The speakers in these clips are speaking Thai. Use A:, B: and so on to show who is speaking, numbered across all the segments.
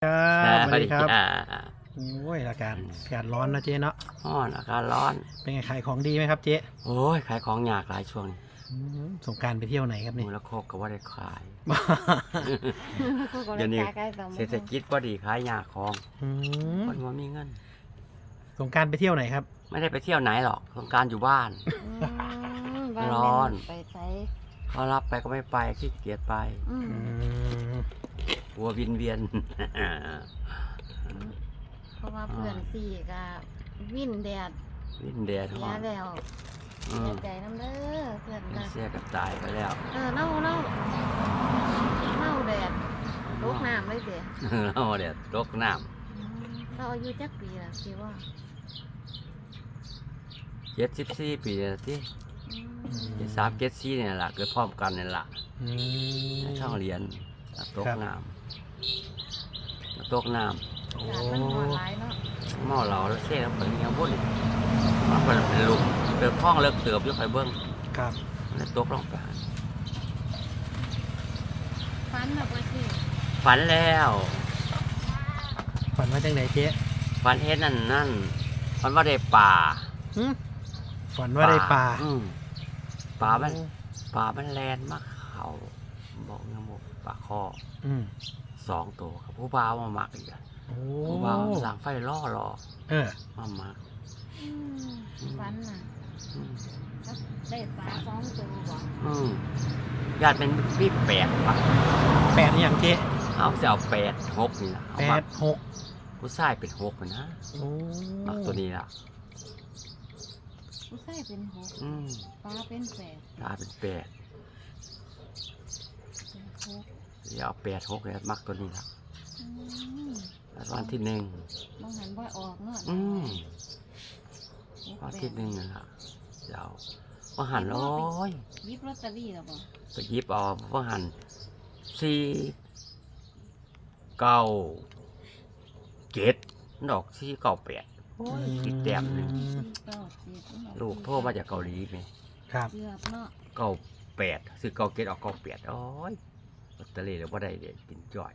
A: ครับสวัสดีครับ
B: จ้า
A: โอ้ยอากาศร้อนนะเจ๊เนาะ
B: ร้อนอากาศร้อน
A: เป็นไงขายของดีไหมครับเจ๊
B: โอ้ยขายของยากหลายช่วงนี้
A: สงกรานต์ไปเที่ยวไหนครับ
B: มู
A: นี่
B: ลโคกก็ว่าได้ขาย
C: เดี๋
B: เดี๋ยวนี้เศรษฐ
C: กิจ
B: กิจก็ดีขายยากของ
A: อืม
B: คนว่ามีเงิน
A: สงกรานต์ไปเที่ยวไหนครับ
B: ไม่ได้ไปเที่ยวไหนหรอกสงกรารอยู่บ้าน ร้อน
C: ไปใช้
B: เขารับไปก็ไม่ไปขี้เกียจไป
A: อืม
B: กลัววินเวียน
C: เพราะว่าเพื่อนสี่ก็วิ่นแดด
B: วินแดด
C: เสี
B: ห้
C: ย
B: อน
C: แล้ว
B: อื
C: เสี
B: ม
C: ยใจน้ำเด้อเพื่อนนะ
B: เสียกับตายไปแล้ว
C: เน่าแดดลุกน้ำเลยเดี๋ยว
B: เราเดี๋ยวตกน้
C: เราอายุจักปีละสิว่า
B: ำ74 ปีแล้วที่73 74เนี่ยแหละเกิดพร้อมกันเนี่ยแหละ
A: อืม
B: ในช่องเรียนตกน้ำตกน้
A: โอ้
C: อากาศมันร้อนหลายเนาะ
B: ำเมาเหล้าแล้วเสียแล้วเป็นยังบุ่นมันเป็นลุมเติบห้องเลิกเติบอยู่ไปเบิ้ง
A: ครับ
B: แล้วตกลงไป
C: ฟันแบบว่าสิ
B: ฝันแล้ว
A: ฝันว่าจังไหนเจ๊
B: ฝันเห็นนั่นฝันว่าได้ป่า
A: หึฝันว่าได้ปลา
B: อืมป่ามันแลนมาเขาบอกยังบอกป่าคอ
A: อืม
B: 2 ตัวครับผู้บ่าวมาหมักอีกอะ
A: โอ้
B: ผู้บ่าวสั่งไฟล่อ
A: เออ
B: มาหมัก
C: ฟันน่ะ
B: อืม
C: ได้ปลาสองตัวบ่
B: ญาติเป็นพี่8ป่ะ
A: แปดอย่างเจ๊
B: เอาจะเอา8 6นี่แหละเอา
A: แป
B: มา
A: ดหก
B: ผู้ชายเป็น6มันนะ
A: โอ้
B: มักตัวนี้ละ
C: ผู้ชายเป็นหก
B: อืม
C: ปลาเป็นแปด
B: ตาเป็น8
C: เป็นหก
B: เดี๋ยวเอา8 6เลยมักตัวนี้ละ
C: อืม
B: แล้ววันที่1
C: มองหันบ่ออกเนาะ
B: วันที่1นั่นละเดี๋ยวว่าหันโอ้ย
C: หยิบลอตเตอรี่แล้วบ่
B: ไปหยิบเอาว่าหัน4 9 7ดอก4 9 8โอ้ยติดแต้มหนึง
C: เก้าสิบ
B: ลูกโทรมาจากเกาหลีไหม
A: ครับ
C: เกือบเนาะ
B: 98ซื้อ97ออก98โอ้ยลอตเตอรี่แล้วบ่ได้เด็ดกินจ่อย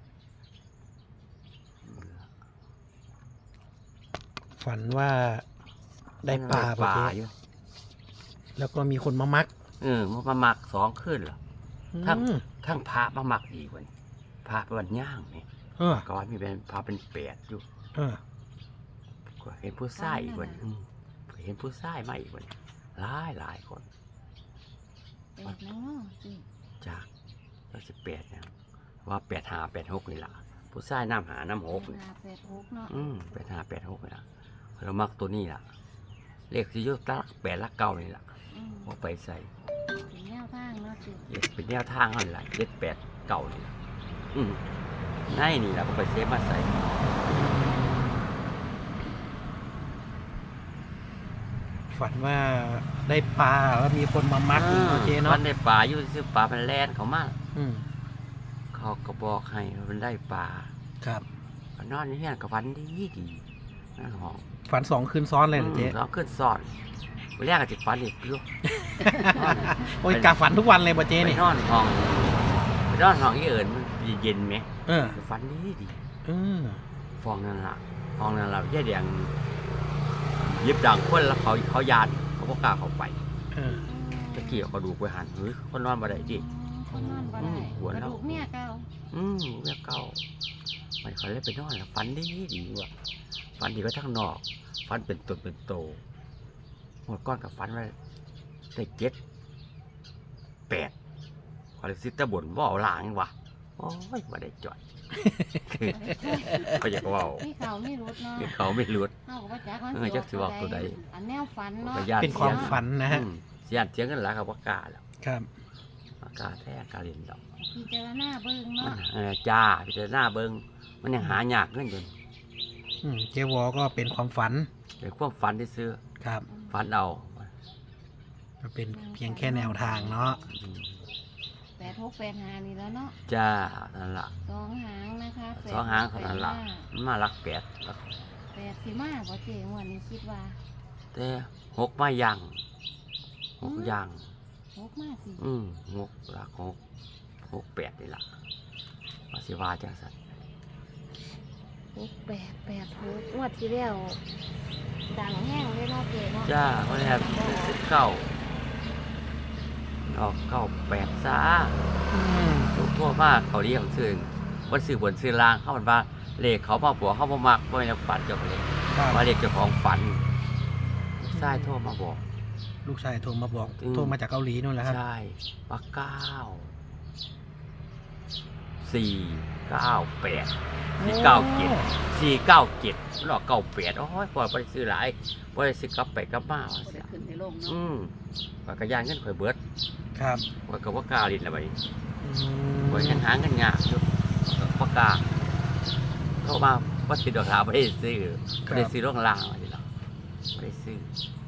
A: ฝันว่าได้ปลา
B: ปลา
A: เจ๊
B: อยู่
A: แล้วก็มีคนมามัก
B: มันมาหมัก2คืนเหรอ ทั้ง
A: อืม
B: ทั้งพระมาหมักอีกวันพระเป็นวันย่างนี่
A: เออ
B: ก่อนมีเป็นพระเป็น8อยู่
A: เออ
B: ก็เห็นผู้ชายอีกวันเห็นผู้ชายมาอีกวันหลายคน
C: แปดเนาะสิ
B: จาก18นะว่า85 86นี่ล่ะผู้ชายน้ำหาน้ำหกนี่
C: แปดหกเนาะ
B: 85 86นี่ล่ะเรามักตัวนี้ล่ะเลขที่อยุตัก8 ลัก 9นี่ล่ะ
C: อืม
B: เอาไปใส่
C: เป็นแนวทางเนาะสิ
B: เป็นแนวทางนั่นล่ะ7 8 9นี่ล่ะในนี่ล่ะก็ไปเซฟมาใส่
A: ฝันว่าได้ปลาแล้วมีคนมามักอีกเนาะเจ๊เนาะ
B: มันได้ปลาอยู่ซื้อปลาเป็นแลนเขามา
A: อืม
B: เขาก็บอกให้มันได้ปลา
A: ครับ
B: ก็นอนอยู่เฮียนกับฟันดีนั่นห้อง
A: ฝัน2 คืนซ้อนเลยเหรอเจ๊
B: เราขึ้นซ่อนวันแรกก็จะฝันอีกอยู่
A: โอ้ยกาฝันทุกวันเลยป่ะเจ๊
B: ไป
A: นี่
B: นอนห้องไปนอนห้องที่เอิญมันเย็นไหม
A: เออ
B: ฝันดี
A: เออ
B: ฟองนั่นล่ะห้องนั้นเราแย่แดงยิบดังคนแล้วเขายานเขาก็กล้าเข้าไป
A: เออ
B: ตะเกียบกระดูกไปหันเฮ้ยคนนอนมาได้ดิ
C: คนนอนบ่ได้
B: หัว
C: กระ
B: เรา
C: ดูกเมียเก่า
B: เรียกเก่ามันเขาเลยไปนอนแล้วฝันดีว่ะฝันดีก็ทั้งนอกฝันเป็นตนเป็นโตหมดก้อนกับฝันว่าได้7 8ขอเลยซิตตะบ่นว่าเอาหลางว่ะโอ้ยว่าได้จ่อย เขาอยากว่า
C: มีเขามีรุดเนาะ
B: เขาไม่รู้
C: เฮาก็บ่จักมัน
B: จักสิว่าตัวใด
C: อันแนวฝันเนาะ
B: ก็ย่าน
A: เป็นความฝันนะฮะ
B: เสียนเสียงกันหลายกับว่ากล้าแล้ว
A: ครับ
B: กล้าแท้กล้าเรียนดอก
C: พิจารณาเบิ่งเนาะ
B: จ้าพิจารณาเบิ่งมันยังหายากเงินอยู่
A: เจ๊วอก็เป็นความฝัน
B: เป็นความฝันที่ซื้อ
A: ครับ
B: ฝันเอา
A: ก็เป็นเพียงแค่แนวทางเนาะ
B: อืม
C: 8685นี่แล้วเนาะ
B: จ้านั่นล่ะ
C: สองหางนะคะ
B: สองหางเท่านั้นล่ะมันมาลัก8ลัก
C: แปดสิมาบ่เจ๊งวดนี้คิดว่า
B: แต่6มายัง6ยัง
C: หกมาสิ
B: 6ลัก6 8นี่ล่ะว่าสิว่าจังซั่น
C: 6886งวดที่แล้วดังแห้งเลยเนาะเจ๊เนาะ
B: จ้าเพราะฉะนั้นเก้าออกเก้าแปดซะ
A: อืม
B: ถูกทั่วมากเขาเรียกซื้อวันซื้อบนซื้อล่างเขาบอกว่าเลขเขามาบอกเขาบ่มักบ่แม่นฝันเจ้าของเลข
A: ครับ
B: ว่าเลขเจ้าของฝันใช่โทรมาบอก
A: ลูกชายโทรมาบอก
B: อืม
A: โทรมาจากเกาหลีนู่นแหละครับ
B: ใช่ว่า497หลอก98โอ้ยพอบ่ได้ซื้อหลายบ่ได้ซื้อกลับไปกลับมาว่า
D: บ่
B: ซั่
D: ได้
B: น
D: ขึ้นให้ลงเนาะ
B: ว่าก็ย่างเงินข่อยเบิด
A: ครับ
B: ข่อยก็บ่กล้าลิ้นละบัดนี้
A: อื
B: ข่อยยังหาเงินยากอยู่บ่กล้าโทรมาบ่สิดอกหาบ่ได้ซื้อบ่ได้ซื้อโรงล่างว่าซั่นเนาะบ่ได้ซื้อ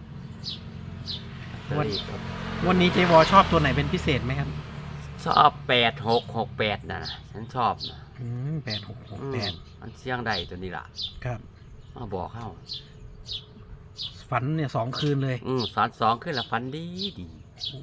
A: วันนี้เจวอชอบตัวไหนเป็นพิเศษไหมครับ
B: ชอบ8668น่ะนะฉันชอบนะ
A: 8668
B: มันเสียงใดตัวนี้ล่ะ
A: ครับ
B: มาบอกเฮา
A: ฝันเนี่ย2 คืนเลย
B: ฝัน2ขึ้นละฝันดี
A: โอ้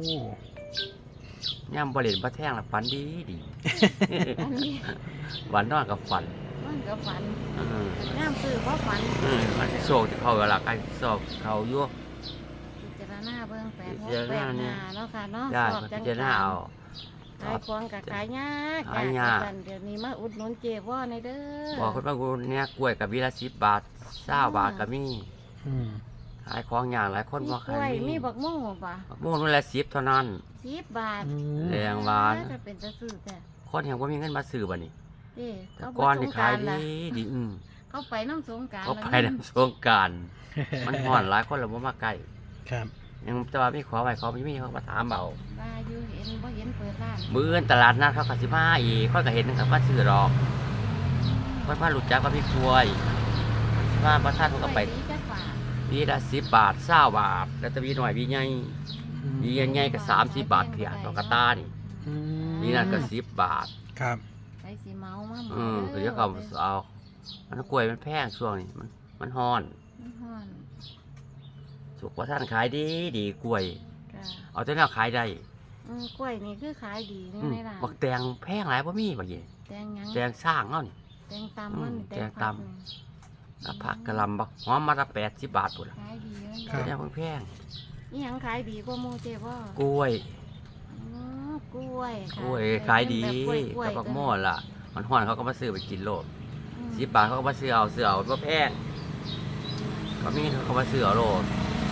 B: ย่ำบ่เล่นบ่แท่งละฝันดี
C: อันนี้
B: วันนอนกับฝัน
C: มันก็ฝัน
B: เออ
C: น้ำซื้อบ่ฝัน
B: มันโศกที่เขาเวลาใกล้โศกเขาอยู่
C: พิจารณาเบิ่ง
B: พิจารณาเนี่ย
C: 8685เนาะค่ะเนาะ
B: ได้
C: สอบ
B: มัน
C: จัง
B: จะน่าเอา
C: ขายของกับขายยาก
B: ขายยาก
C: เดี๋ยวนี้มาอุดหนุนเจ๊ว่าในเด้อ
B: บอกคนบางคนเนี่ยกล้วยกับวิละ10 บาท20 บาทก็มี
A: อืม
B: ขายของอย่างหลายคน
C: มี
B: บ่
C: ก
B: ขา
C: ล้วย
B: ย
C: มีบักม่วงป่ะ
B: โม่นละ10เท่านั้น
C: 10 บาท
A: อืม
B: แรงหวาน
C: จะเป็นตะซื้อแต่
B: คนยังบ่มีเงินมาซื้อบัดนี้
C: เด้
B: แต่
C: เขา
B: ก่อน
C: ไป
B: นี่
C: สงก
B: ขาย
C: รานต์
B: ดี
C: ล่ะ
B: ดี
C: เขาไปน้ำสงกราร
B: เขาไปนำสงกรารมันฮ้อนหลายคนแล้วบ่มาใกล้
A: ครับ
B: ยังแต่ว่ามีขอไว้เขาไม่มีเขามาถามเอา
C: ว่าอยู่เห็นบ่เห็นเปิดร้าน
B: มื้ออื่นตลาดนัดเขาก็สิมาอีกเขาก็เห็นนะครับว่าซื้อดอกเพิ่นมารู้จักว่ามีกล้วยสิมาบ่ทันเขาก็ไป
C: ดีจักว่า
B: วีละ10 บาท20 บาท แล้วแต่วีน้อยวีใหญ่วีใหญ่ๆก็30 บาทเพียตอกกะตานี่
A: อืม
B: วีนั่นก็10 บาท
A: ครับ
C: ไปสิเมามาหม
B: ก็เดี๋ยวเขาเอามันกล้วยมันแพงช่วงนี้มันฮ้อน
C: มันฮ้อน
B: สุกว่าท่านขายดีกล้วย
C: ก็
B: เอาแต่แนวขายได้
C: กล้วยนี่คือขายดีนี่ในร้าน
B: บักแตงแพงหลายบ่มีบักเย่
C: แตงหยัง
B: แตงสร้างเฮานี่
C: แตงตำมัน
B: แตง
C: ผัก
B: ตำ ผักกะหล่ำบักหอมมาละ80 บาทพุ่นล่ะ
C: ขายดีเลย
A: ครับ
B: แนวแพง
C: นี่ยังขายดีกว่าหมูเจ๊บ่
B: กล้วย
C: กล้วยค่ะ
B: กล้วยขายดี
C: แบบกล้วย
B: กับบักม่อนล่ะ มันฮ้อนเขาก็มาซื้อไปกินโลด10 บาทเขาก็มาซื้อเอาบ่แพงเขามีเงินเขาก็มาซื้อเอาโลด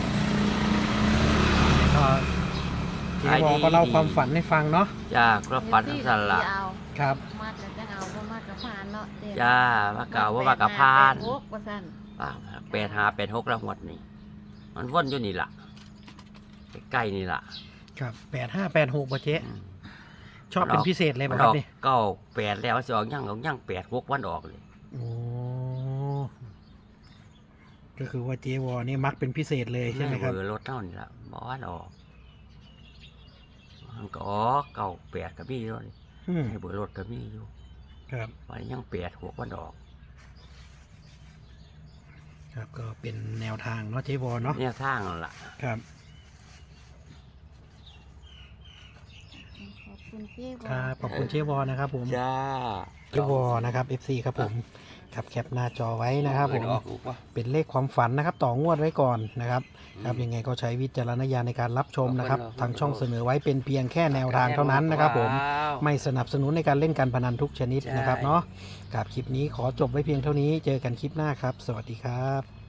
A: ก็เจวอก็เล่าความฝันให้ฟังเนาะ
B: จ้าก็ฝันทั้งสั่นล่ะ
C: เอา
A: ครับ
C: มากจะเอาบ่มากกับผ่านเนาะเจ๊
B: จ้าว่าเก่าว่าว่ากะพาน
C: แปดหกว่าซั่น
B: 85 86ละหวดนี่ มันวนอยู่นี่ล่ะใกล้ๆนี่ล่ะ
A: ครับ8586ป่ะเจ๊
B: อืม
A: ชอบเป็นพิเศษเลย
B: มั
A: ป่ะ
B: น
A: ค
B: อ
A: รั
B: อบ ก
A: นี่
B: 98แล้วสิออกยัง86วันออกเลย
A: โอ้ก็คือว่าเจวอนี่มักเป็นพิเศษเลยใช่ไหมครับ
B: เบอร์รถเท่านี่ล่ะบ่วันออกมันก็ออก98ก็มีอยู่นี่
A: อืม
B: ให้เบอร์รถก็มีอยู่
A: ครับ
B: วันนี้ยัง86วันออก
A: ครับก็เป็นแนวทางเนาะเจวอเนาะ
B: เนี่ยทางนั่นล่ะ
A: ครับ
C: ขอบคุณเจ๊บ่
A: ครับขอบคุณเจวอนะครับผม
B: จ้า
A: เจวอนะครับ FC ครับผมครับแคปหน้าจอไว้นะครับผม
B: ออกลูกวะ
A: เป็นเลขความฝันนะครับ ต่องวดไว้ก่อนนะครับ ครับยังไงก็ใช้วิจารณญาณในการรับชมนะครับ ทางช่องเสนอไว้เป็นเพียงแค่แนวทางเท่านั้นนะครับผม ไม่สนับสนุนในการเล่นการพนันทุกชนิดนะครับเนาะกับคลิปนี้ขอจบไว้เพียงเท่านี้ เจอกันคลิปหน้าครับ สวัสดีครับ